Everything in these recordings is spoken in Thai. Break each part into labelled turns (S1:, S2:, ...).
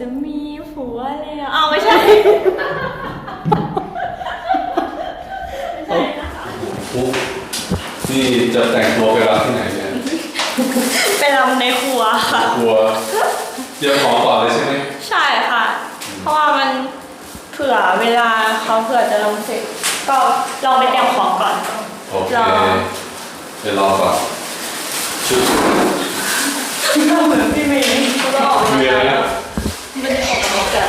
S1: จะมีผัวแล้วอ้าวไม่ใช่ ไม่ใช่นะคะ
S2: นี่จะแต่งตัวไปรับที่ไหนเนี่ย
S1: ไปรำในครัวค่ะ
S2: ครัวเตรียมของก่อนเลยใช่ไหม
S1: ใช่ค่ะ เพราะว่ามันเผื่อเวลาเขาเผื่อจะลงเสร็จก็ลองไปเตรียมของก่อน
S2: โอเคไปรอก่อนชุด
S1: ก็เหมือนพี่เมย์เขาจะออกมาแล้วไม่ได้ออกมาแต่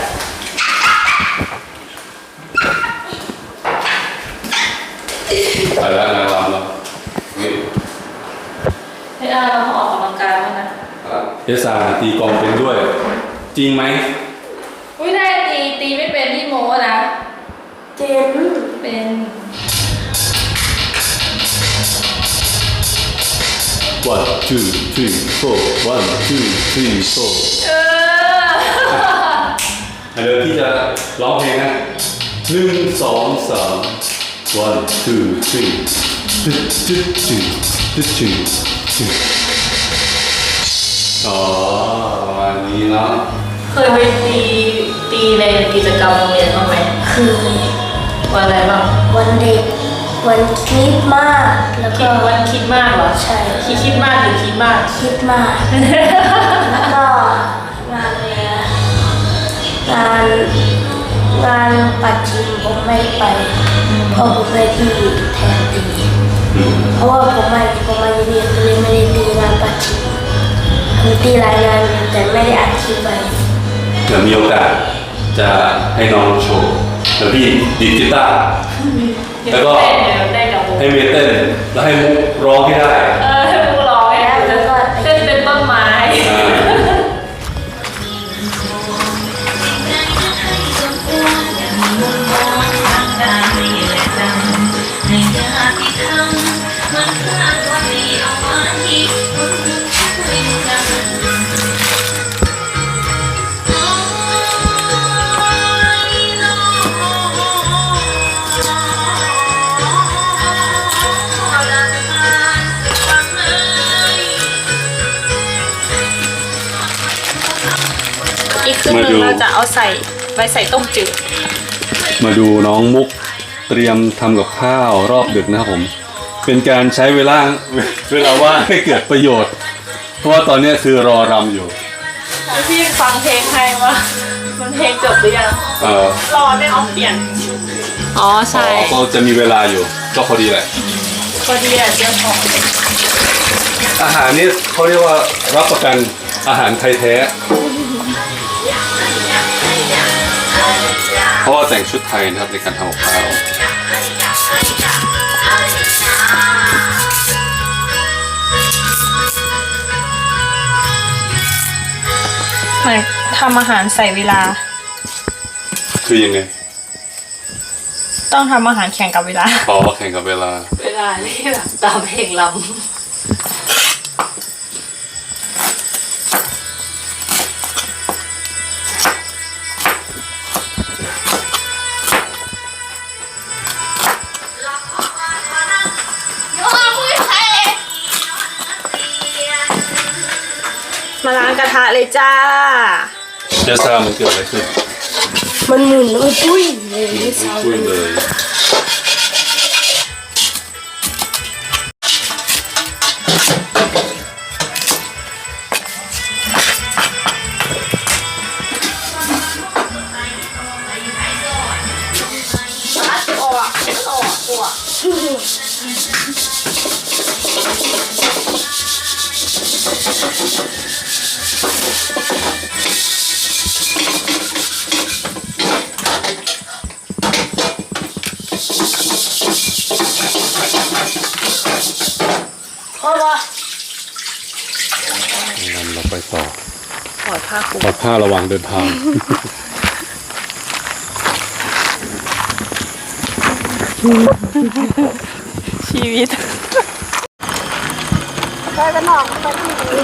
S2: ไปแล้วนายรำแล้วนี่
S1: ให้เราออกกำลังกายบ้างนะ
S2: เอสาตีกลองเป็นด้วยจริงไหม
S1: อุ้ยได้ตีไม่เป็นที่โมนะเจนเป็น
S2: 1 2 3 4 1 2 3 4เดี๋ยวพี่จะร้องเพลงนะ1 2 3 1 2 3ตึ๊ดตึ๊ดตึ๊ดตึ๊ดตึ๊ดตึ๊ดอ๋อประมาณนี้เนาะ
S1: เคยไปตีในกิจกรรมโรงเรียนบ้างไหม
S3: คือ
S1: วันอะไรบ้าง
S3: วันเด็กวันคริสต์มาสแล้วก็
S1: วันคิดมากเหรอ
S3: ใช่
S1: คิดมากหรือคิดมาก
S3: คิดมากแล้วก็งานอะไรงานปัดชิมผมไม่ไปเพราะผมได้ที่แทนตีเพราะว่าผมไม่เรียนเลยไม่ได้ตีงานปัดชิมผมตีรายงานแต่ไม่ได้อัดคลิปไป
S2: เดี๋ยวมีโอกาสจะให้น้องโชว์เดี๋ยวพี่ดีดกีตาร์แล้วก็ให้เมย์เต้นแล้วให้มุกร้องให้ได้
S1: ให้มุกร้องให้ได้แล้วก็เต้นเป็นต้นไม้อีกครึ่งนึงเราจะเอาไว้ใส่ต้มจืด
S2: มาดูน้องมุกเตรียมทำกับข้าวรอบดึกนะครับผมเป็นการใช้เวลาว่างให้เกิดประโยชน์เพราะว่าตอนนี้คือรอรำอยู่
S1: พี่ฟังเพลงใครวะมันเพลงจบหรือยังรอได้เอาเปลี่ยนอ๋อใช่
S2: ก็จะมีเวลาอยู่ก็พอดีแหละ
S1: พอดีอ่ะเดี๋ยวพอ
S2: อาหารนี่เขาเรียกว่ารับประกันอาหารไทยแท้เพราะว่าแต่งชุดไทยนะครับในการทำกับข้าว
S1: เหมือนทำอาหารใส่เวลา
S2: คือยังไง
S1: ต้องทำอาหารแข่งกับเวลา
S2: อ๋อแข่งกับเวลา
S1: นี่แบบตามเพลงลำมาล้างกระทะเลยจ้า
S2: เดี๋ยวซามันเกิดอะไรขึ้น
S3: มันหมุนมันปุ้ยเลย
S2: ปุ้ยเลยเราไปต่อ
S1: ปลอด
S2: ผ้าระวังเดินทาง
S1: ชีวิต
S3: ไปกันหนอกไปที่นี่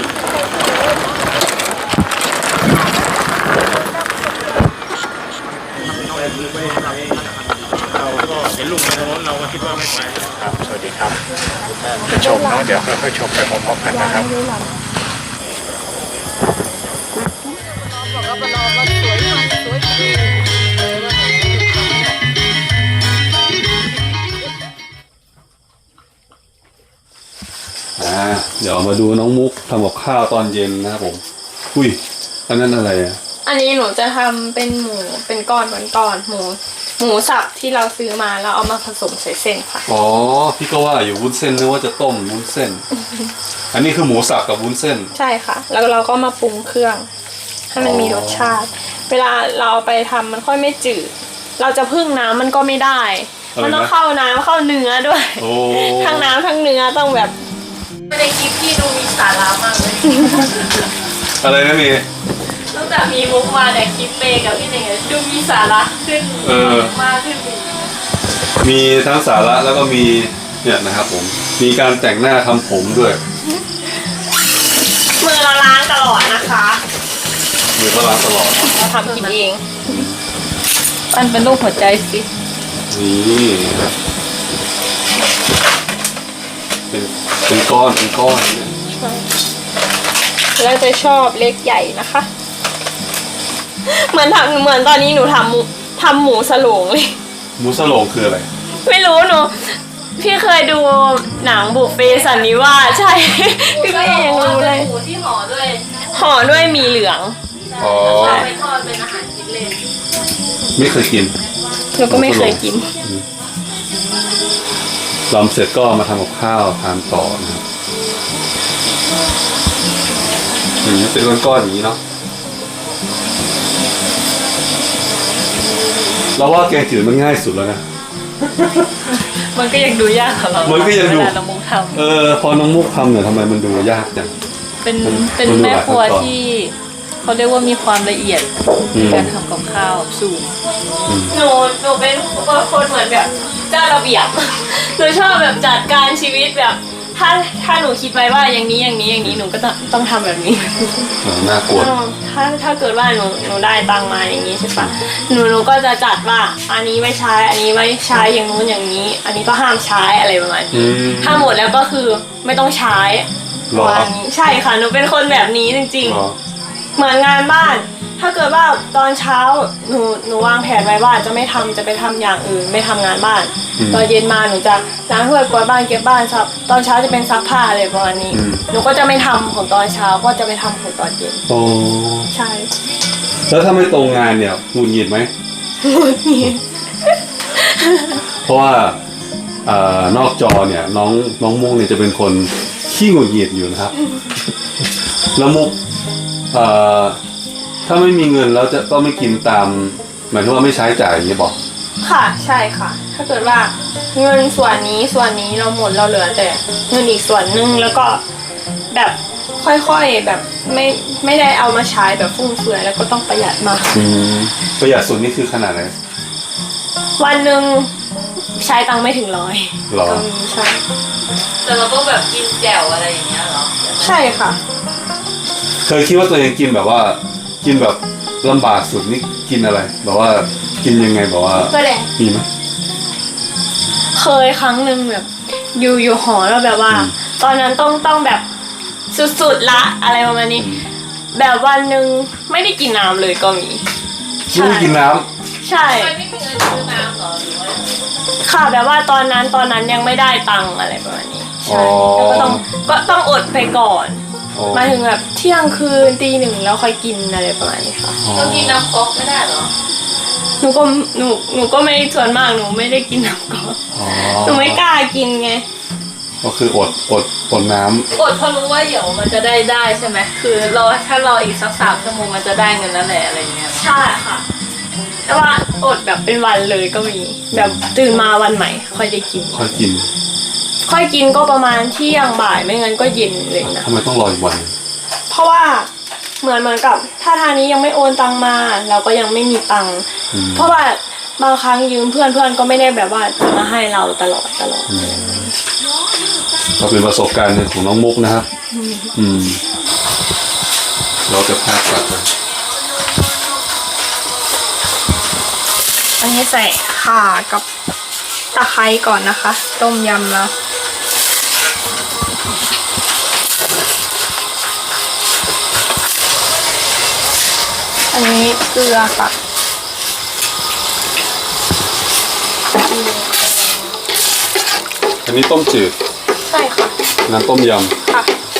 S4: เราก็เห็นลุงในถนนเราก็คิดว่าไม่ไปครับสวัสดีครับจะชมเนาะเดี๋ยวค่อยๆชมไปพร้อมๆกันนะครับ
S1: มันออกมาสวยมากสวยจริงเลยว่า
S2: เดี๋ยวมาดูน้องมุกทำกับข้าวตอนเย็นนะครับผมอุ้ยอันนั้นอะไรอ่ะ
S1: อันนี้หนูจะทำเป็นหมูเป็นก้อนหมูสับที่เราซื้อมาแล้วเอามาผสมใส่เส้นค่ะ
S2: อ๋อพี่ก็ว่าอยู่วุ้นเส้นนึกว่าจะต้มวุ้นเส้น อันนี้คือหมูสับกับวุ้นเส้น
S1: ใช่ค่ะ แล้วเราก็มาปรุงเครื่องให้มันมีรสชาติ เวลาเราเอาไปทำมันค่อยไม่จืดเราจะพึ่งน้ำมันก็ไม่ได้ มันต้องเข้าน้ำเข้าเนื้อด้วย
S2: โอ้
S1: ทั้งน้ำทั้งเนื้อต้องแบบในคลิปที่ดูมีสาระมากเลย
S2: อะไรนะเมย์
S1: ตั้งแต่มีมุกมาแต่คลิปเปกับพี่เน่งดูมีสาระขึ้นมากขึ้นอีก
S2: มีทั้งสาระแล้วก็มีเนี่ยนะครับผมมีการแต่งหน้าทำผมด้วย
S1: มือเราล้างตลอดนะคะ
S2: มือก็ล้างตลอด
S1: เราทำกินเองมันเป็นรูปหัวใจสิ
S2: นี่เป็นก้อนเนี่ย
S1: แล้วจะชอบเล็กใหญ่นะคะ เหมือนตอนนี้หนูทำหมูสโลงเลย
S2: หมูสโลงคืออะไร
S1: ไม่รู้หนูพี่เคยดูหนังบุฟเฟ่สันนิวาสใช่ พี่ก็ยังรู้เลย
S5: หมูที่ห่อด้วย
S1: ห่อด้วยหมีเหลือง
S2: อ๋อ
S5: ไปทอดเป็นอาหารกินเล่น
S2: ไม่เคยกิน
S1: หนูก็ไม่เคยกิน
S2: ลำเสร็จก็มาทำกับข้าวทานต่อนะครับเป็นก้อนๆอย่างนี้เนาะเราว่าแกงจืดมันง่ายสุดแล้วนะ
S1: มันก็ยังดูยากของเรา
S2: มันก็ยังดู
S1: เวลาเรามุกท
S2: พอน้องมุกทำเนี่ยทำไมมันดูยากจัง
S5: เป็น
S2: มันดู
S5: แม่ครัว
S2: หลายขั้นตอน
S5: ที่เขาเรียกว่ามีความละเอียดในการทำกับข้าวสูง
S1: หนูเป็นคนเหมือนแบบเจ้าระเบียบ หนูชอบแบบจัดการชีวิตแบบ ถ้าหนูคิดไว้ว่าอย่างนี้หนูก็ต้องทำแบบนี้
S2: น่ากลัว
S1: ถ้าเกิดว่าหนูได้ตังค์มาอย่างนี้ใช่ปะหนูก็จะจัดว่าอันนี้ไม่ใช้อันนี้ไม่ใช้อย่างนู้นอย่างนี้ อันนี้ก็ห้ามใช้อะไรประมาณนี้ถ้าหมดแล้วก็คือไม่ต้องใช้
S2: หรอ
S1: ประมาณนี้ใช่ค่ะหนูเป็นคนแบบนี้จริง
S2: หรอ
S1: ๆ เหมือนงานบ้าน ถ้าเกิดว่าตอนเช้าหนูวางแผนไว้ว่าจะไม่ทำจะไปทำอย่างอื่นไม่ทำงานบ้าน ตอนเย็นมาหนูจะล้างถ้วยกวาดบ้านเก็บบ้านซับตอนเช้าจะเป็นซักผ้าอะไรประมาณนี้ หนูก็จะไม่ทำของตอนเช้าก็จะไปทำของตอนเย็น
S2: โอ้
S1: ใช่
S2: แล้วถ้าไม่ตรงงานเนี่ยหงุดหงิดไหม เพราะว่านอกจอเนี่ยน้องมุกเนี่ยจะเป็นคนขี้หงุดหงิดอยู่นะครับ แล้วมุกถ้าไม่มีเงินแล้วก็ไม่กินตามหมายถึงว่าไม่ใช้จ่ายอย่างนี้บอก
S1: ค่ะใช่ค่ะ ถ้าเกิดว่าเงินส่วนนี้เราหมดเราเหลือแต่เงินอีกส่วนนึงแล้วก็แบบค่อยๆแบบไม่ได้เอามาใช้แบบฟุ่มเฟือยแล้วก็ต้องประหยัดมาก
S2: ประหยัดสุดนี่คือขนาดไหน
S1: วันหนึ่งใช้ตังค์ไม่ถึง100
S2: หรอ
S1: ก็มีใช่
S5: แต่เราต้องแบบกินแจ่วอะไรอย่างเงี้ยเหรอ
S1: ใช่ค่ะ
S2: เคยคิดว่าตัวเองกินแบบว่ากินแบบลำบากสุดนี่กินอะไรแบบว่ากินยังไงแบบว่า
S1: ก็แหละ
S2: มีไหม
S1: เคยครั้งหนึ่งแบบอยู่หอแล้วแบบว่า ตอนนั้นต้องแบบสุดๆละอะไรประมาณนี้ แบบวันหนึ่งไม่ได้กินน้ำเลยก็มี
S2: ไม่ได้กินน้ำ
S1: ใช่
S5: ไม่มีเงินซื้อน้ำเหรอหรือว่า
S1: ค่ะแบบว่าตอนนั้นยังไม่ได้ตังค์อะไรประมาณนี้ใช่แล้วก็ต้องอดไปก่อน
S2: อ๋อ
S1: มาถึงแบบเที่ยงคืนตี 1แล้วค่อยกินอะไรประมาณนี้ค่ะ
S5: เรากินน้ำก๊อกไม่ได้เหรอ
S1: หนูก็ไม่ส่วนมากหนูไม่ได้กินน้ำก่อน
S2: อ๋อ
S1: หนูไม่กล้ากินไง
S2: ก็คืออดน้ำ
S5: อดเพราะรู้ว่าเดี๋ยวมันจะได้ใช่ไหมคือถ้ารออีกสัก3 ชั่วโมงมันจะได้เงินแล้วแหละอะไรเงี้ย
S1: ใช่ค่ะ แต่ว่าอดแบบเป็นวันเลยก็มี แบบตื่นมาวันใหม่ ค่อยได้กิน
S2: ค่อยกิน
S1: ค่อยกินก็ประมาณเที่ยงบ่ายไม่งั้นก็เย็นเลยนะ
S2: ทำไมต้องรออีกวันหนึ่ง
S1: เพราะว่าเหมือนกับถ้าทางนี้ยังไม่โอนตังมาเราก็ยังไม่มีตังค์เพราะว่าบางครั้งยืมเพื่อนก็ไม่ได้แบบว่าจะมาให้เราตลอด
S2: ก็เป็นประสบการณ์หนึ่งของน้องมุกนะครับเราจะพากลับไป
S1: อันนี้ใส่ข่ากับตะไคร้ก่อนนะคะ ต้มยำแล้วอันนี้เกลือค่ะ
S2: อันนี้ต้มจืด
S1: ใช่ค่ะ
S2: น้ำต้มย
S1: ค่ะ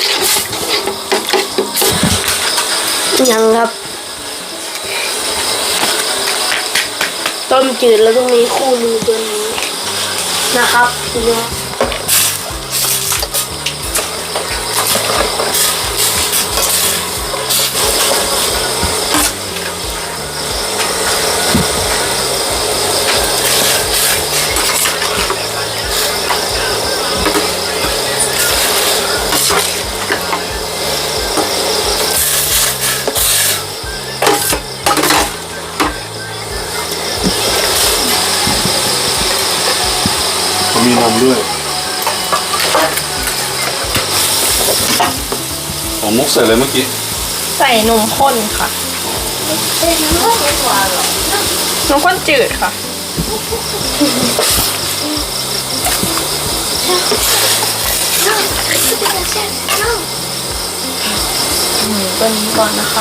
S3: ยังครับ ต้มจืดแล้วต้องมีคู่มือตัวนี้นะครับทีนี้
S2: ำเขามีนมด้วยของมุกใส่เลยเมื่อกี้
S1: ใส่นมข้นค่ะนมข้นจืดค่ะตัวนี้ก่อนนะคะ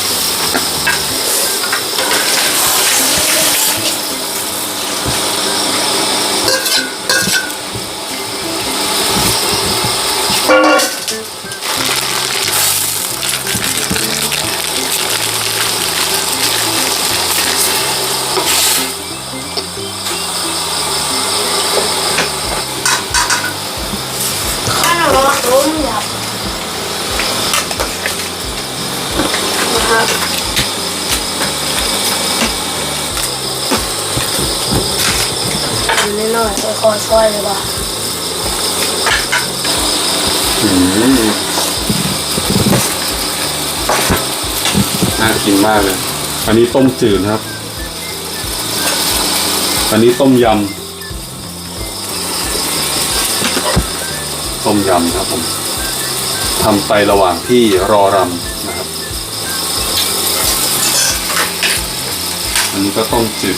S3: ข้าวต้มยำนะครับนิดหน่อยค่อยๆช่วยเลยป่ะ
S2: น่ากินมากเลย อันนี้ต้มจืดนะครับ อันนี้ต้มยำ ต้มยำครับผมทำไประหว่างที่รอรำนะครับ อันนี้ก็ต้มจืด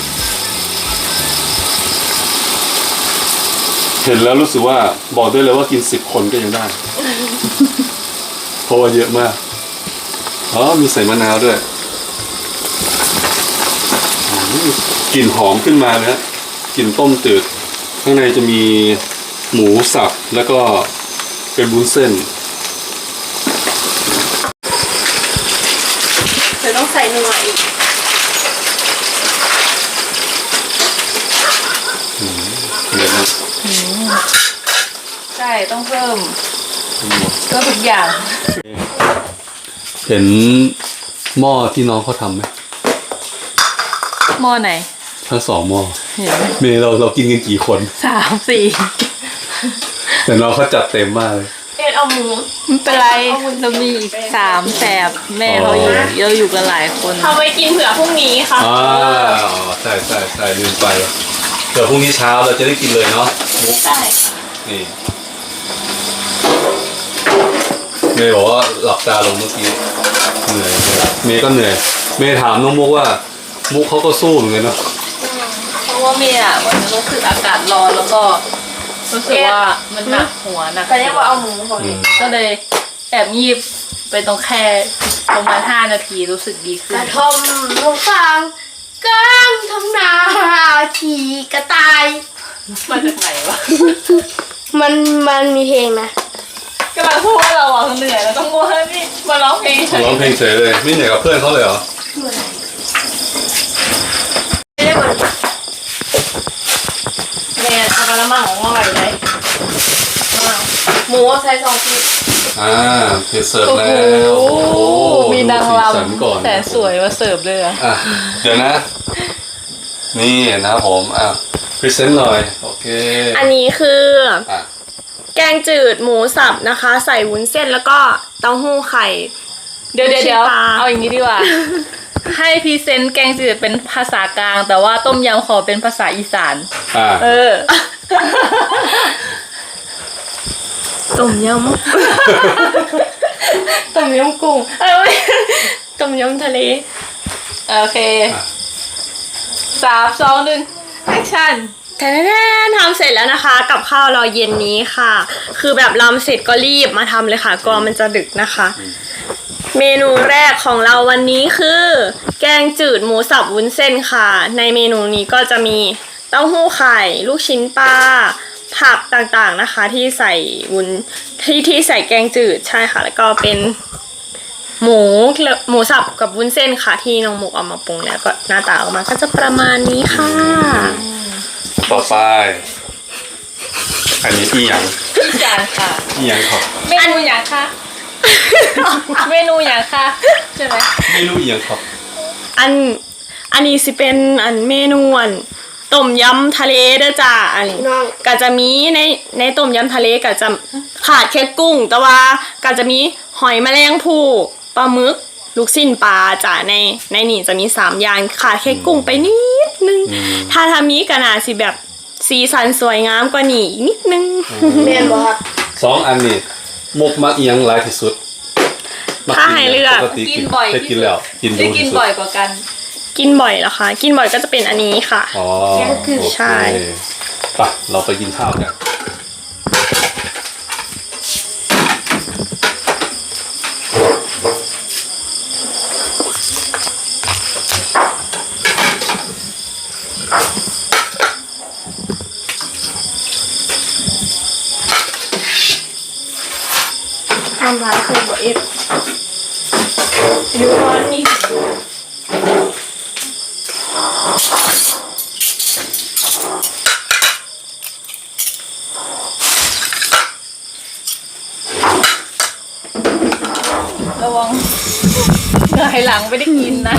S2: เห็นแล้วรู้สึกว่าบอกได้เลยว่ากิน10 คนก็ยังได้ เพราะว่าเยอะมาก อ๋อ มีใส่มะนาวด้วยกลิ่นหอมขึ้นมาเลยฮะกลิ่นต้มจืด ข้างในจะมีหมูสับแล้วก็เป็นวุ้นเส้น
S1: เดี๋ยวต้องใส่นัวอีก
S2: เดี๋ยวนะ
S5: ใช่ต้องเพิ่มทุกอย่าง
S2: เห็นหม้อที่น้องเขาทำไหม
S5: หม้อไหน
S2: ทั้ง2 หม้อ
S5: เห็นไหม
S2: เมย์เรากินกันกี่คน
S5: 3 4
S2: แต่น้องเขาจัดเต็มมากเลย
S1: เอ็ดเอาหมู
S5: ไม่เป็นไรเรามีอีก3 แสบแม่เราอยู่กันหลายคน
S1: เอาไว้กินเผื่อพรุ่งนี้ค่ะ
S2: ใช่ลืมไปเดี๋ยวพรุ่งนี้เช้าเราจะได้กินเลยเนาะมุก
S1: ใช่
S2: นี่เมย์บอกว่าหลับตาลงเมื่อกี้เหนื่อยเมย์ก็เหนื่อยเมย์ถามน้องมุกว่ามุกเขาก็สู้เหมือนกันเนาะ
S5: เพราะว่าเมียวันนี้รู้สึกอากาศร้อนแล้วก็รู้สึกว่ามันหนักหัวหนัก
S1: แต่เรียกว่าเอาหมูก่อน
S5: ก็เลยแอบยีบไปตรงแค่ประมาณ5 นาทีรู้สึกดีขึ้
S3: ก
S5: น
S3: ระทอมลงฟางกลางทำนาขี่กระต่าย
S5: มาจากไหนวะ
S3: มันมีเพลงนะ
S5: กำลังพูดว่าเราเหนื่อยแล้วต้องว่านี่มาร้องเพลงเฉย
S2: ร้องเพลงเฉยเลยไม่เหนื่อยกับเพื่อนเขาเลยเหรอ
S3: ไม่ได้เหมือน
S1: เนี่ยเอากระมังของหม้ออยู่ไหนหมูใส่2 ขีด
S2: เพจเสิร์ฟแล้ว
S5: โอ้โหมีนางร
S2: ดูสีสันก่อน
S5: ำแต่สวยมาเสิร์ฟเลยอะ
S2: เดี๋ยวนะ นี่นะครับผมพรีเซนต์หน่อยโอเค
S1: อันนี้คือ
S2: อ่ะ
S1: แกงจืดหมูสับนะคะ ใส่วุ้นเส้นแล้วก็เต้าหู้ไข่
S5: เดี๋ยว
S1: ลูกชิ้นปลา
S5: เอาอย่างนี้ดีกว่า ให้พรีเซนต์แกงจืดเป็นภาษากลาง แต่ว่าต้มยำขอเป็นภาษาอีสาน เออ
S1: ต้มยำ ต้มยำกุ้งไม่ต้มยำทะเล
S5: โอเค 3 2 1 แอคชั่น
S1: แทนทำเสร็จแล้วนะคะ กับข้าวเราเย็นนี้ค่ะ คือแบบรำเสร็จก็รีบมาทำเลยค่ะกลัวมันจะดึกนะคะเมนูแรกของเราวันนี้คือ แกงจืดหมูสับวุ้นเส้นค่ะ ในเมนูนี้ก็จะมีเต้าหู้ไข่ลูกชิ้นปลาผักต่างๆนะคะ ที่ใส่วุ้นที่ใส่แกงจืดใช่ค่ะ แล้วก็เป็นหมูสับกับวุ้นเส้นค่ะ ที่น้องหมูเอามาปรุงแล้วก็หน้าตาออกมาก็จะประมาณนี้ค่ะ
S2: ต่อไป อันนี้อีหยัง
S5: จานค่ะ
S2: อีหยังครับ
S5: เมนูอย่างค่ะ เมนูอย่างค่ะใช่ไหม
S2: ไม่รู้อีหยังครับ
S1: อันนี้สิเป็นเมนูต้มยำทะเลเด้อจ้าอันนี้ก็จะมีในต้มยำทะเลก็จะขาดแค่กุ้ง แต่ว่าก็จะมีหอยแมลงภู่ปลาหมึกลูกชิ้นปลาจ้าในนี่จะมี3อย่างขาดแค่กุ้งไปนิดนึงถ้าทำนี้ก็น่าสิแบบสีสันสวยงามกว่านี้อีกนิดนึง
S3: แม่นบ่ครับ
S2: 2 อันนี้มุกมักอีหยังหลายที่สุดมั
S1: ถ้าให้เลือก
S2: ปกติ
S5: กินบ่อย
S2: ได้
S5: ที่
S2: กิน
S5: สุด
S2: แล้วกิน
S5: ได้
S2: ดู
S5: กิน
S2: ที่สุด
S5: บ่อยกว่ากัน
S1: กินบ่อยเหรอคะกินบ่อยก็จะเป็นอันนี้ค่ะ
S2: อ๋อโอเค
S1: ใช่
S2: ไปเราไปกินข้าวกัน
S1: ทำร้ายเคยบอกเอฟดูร้อนนี่
S5: ระวังเหนื่อยหลังไม่ได้กินนะ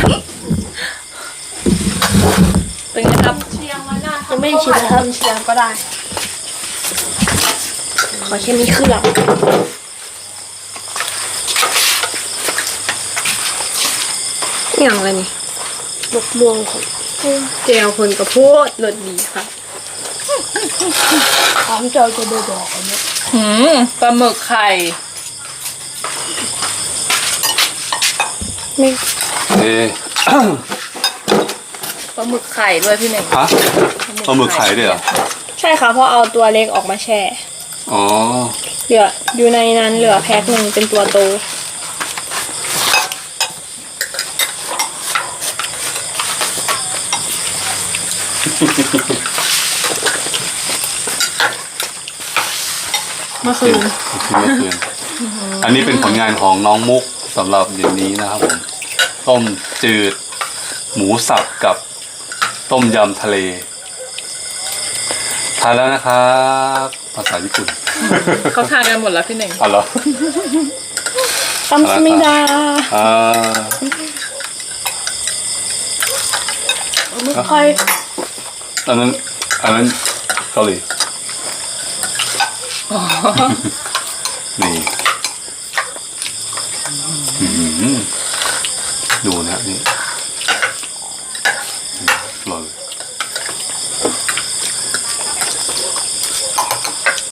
S5: เป็นไงครับ
S1: ยังไม่ได้ชิมนะครับเชียงก็ได้ ขอแค่นี้เครื่องอย่างไรนี่บกม่วงของเจลคนกระโพดรสดีค่ะ
S3: ถามเจ้าจะได้บอกอันนี้
S5: ปลาหมึกไข่
S1: ไม่
S2: เอ๊ะ
S5: ปลาหมึกไข่ด้วยพี่หนึ่ง
S2: ฮะปลาหมึกไข่ด้วยเหรอ
S1: ใช่ค่ะเพราะเอาตัวเล็กออกมาแช่
S2: อ๋อ
S1: เหลืออยู่ในนั้นเหลือแพ็คหนึ่งเป็นตัวโต เมื่อคืน
S2: เมื่อคืนอันนี้เป็นผลงานของน้องมุกสำหรับเดี๋ยวนี้นะครับผมต้มจืดหมูสับกับต้มยำทะเลทานแล้วนะครับภาษาญี่ปุ่น
S5: เขาทานกันหมดแล้วพี่หนึ่ง
S2: อ๋อเหรอ
S1: ซัมซุมิดา
S2: อ่า
S1: ไม่ค่อย
S2: อันนั้นเกาหลี นี่ดูนะนี่